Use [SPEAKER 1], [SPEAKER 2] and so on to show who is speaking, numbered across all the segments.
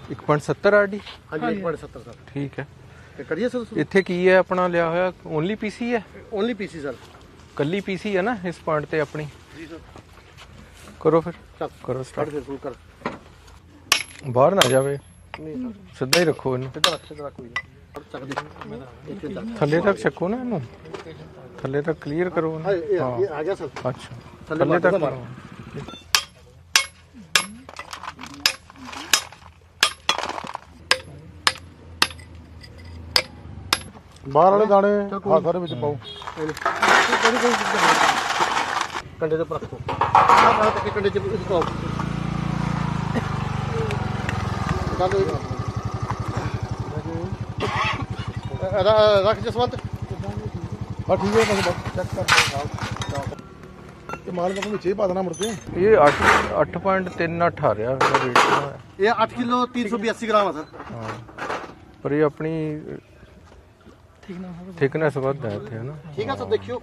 [SPEAKER 1] 1.70 RD.
[SPEAKER 2] हाँ जी 1.70 sir.
[SPEAKER 1] ठीक है।
[SPEAKER 2] करिए सर।
[SPEAKER 1] इत्थे की है अपना लिया होया ओनली पीसी है?
[SPEAKER 2] Only PC sir.
[SPEAKER 1] कल्ली पीसी है ना इस पॉइंट ते अपनी?
[SPEAKER 2] जी सर।
[SPEAKER 1] करो फिर। करो स्टार्ट। बाहर ना जावे। सीधा ही रखो इन्हू। थल्ले तक छको ना इन्हू। थल्ले तक क्लीयर करो।
[SPEAKER 2] हाँ ये आ गया सर।
[SPEAKER 1] अच्छा थल्ले तक करो।
[SPEAKER 3] बाहर वाले दाने हाँ सारे विच पाओ।
[SPEAKER 2] कंडे ते रखो। कंडे च पाओ। रख जसवंत।
[SPEAKER 3] हाँ ठीक है बस चेक कर माल का विच ही पा देना मुड़ के।
[SPEAKER 1] ये 8.38 आ रहा वेट।
[SPEAKER 2] ये 8 किलो 382 ग्राम है सर।
[SPEAKER 1] हाँ पर ये अपनी थिकनेस वध है इत्थे है ना।
[SPEAKER 2] ठीक है सर देखियो।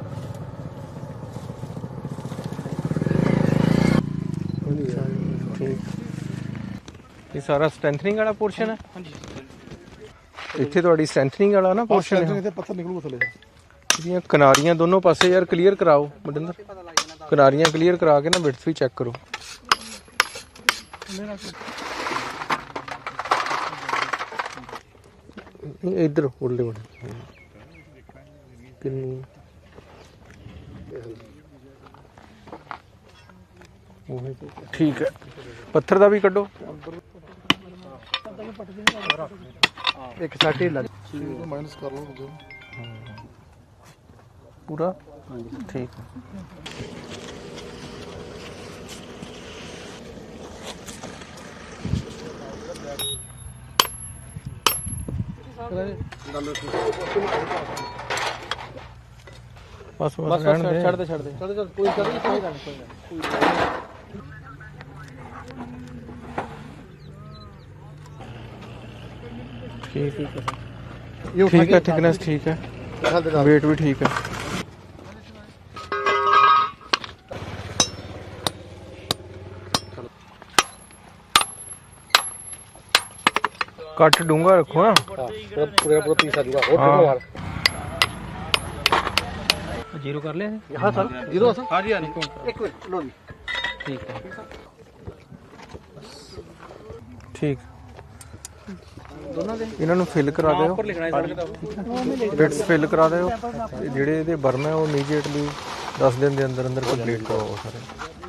[SPEAKER 1] ठीक ये सारा स्ट्रेंथनिंग वाला पोर्शन है।
[SPEAKER 2] हाँ जी
[SPEAKER 1] इत्थे तुहाडी स्ट्रेंथनिंग वाला ना पोर्शन है।
[SPEAKER 3] पत्थर निकलूगा थले।
[SPEAKER 1] ਇਹਦੀਆਂ ਕਿਨਾਰੀਆਂ ਦੋਨੋਂ ਪਾਸੇ ਯਾਰ ਕਲੀਅਰ ਕਰਾਓ ਮਨਿੰਦਰ। ਕਿਨਾਰੀਆਂ ਕਲੀਅਰ ਕਰਾ ਕੇ ਨਾ ਵਿਡਥ ਵੀ ਚੈੱਕ ਕਰੋ। ਇੱਧਰ ਉਲਟੇ ਵੜ ਕਿੰਨੀ ਠੀਕ ਹੈ। ਪੱਥਰ ਦਾ ਵੀ ਕੱਢੋ।
[SPEAKER 2] एक साइड ही लग
[SPEAKER 3] माइनस कर लो
[SPEAKER 1] पूरा ठीक है। बस बस
[SPEAKER 2] छड़ दे कोई कर नहीं कोई
[SPEAKER 1] ठीक है। थिकनेस ठीक है। वेट भी ठीक है। कट डूंगा रखो ना।
[SPEAKER 2] पूरा पीस आ जाएगा। और देखो यार
[SPEAKER 1] जीरो कर ले।
[SPEAKER 2] हां सर जीरो सर। हां जी हां एक मिनट लो जी।
[SPEAKER 1] ठीक है ठीक। ਇਹਨਾਂ ਨੂੰ ਫਿਲ ਕਰਾ ਦਿਓ। ਬਿਟਸ ਫਿਲ ਕਰਾ ਦਿਓ। ਜਿਹੜੇ ਇਹਦੇ ਬਰਮ ਹੈ ਉਹ ਇਮੀਡੀਏਟਲੀ 10 ਦਿਨ ਦੇ ਅੰਦਰ ਅੰਦਰ ਕੰਪਲੀਟ ਕਰਵਾਓ ਸਾਰੇ।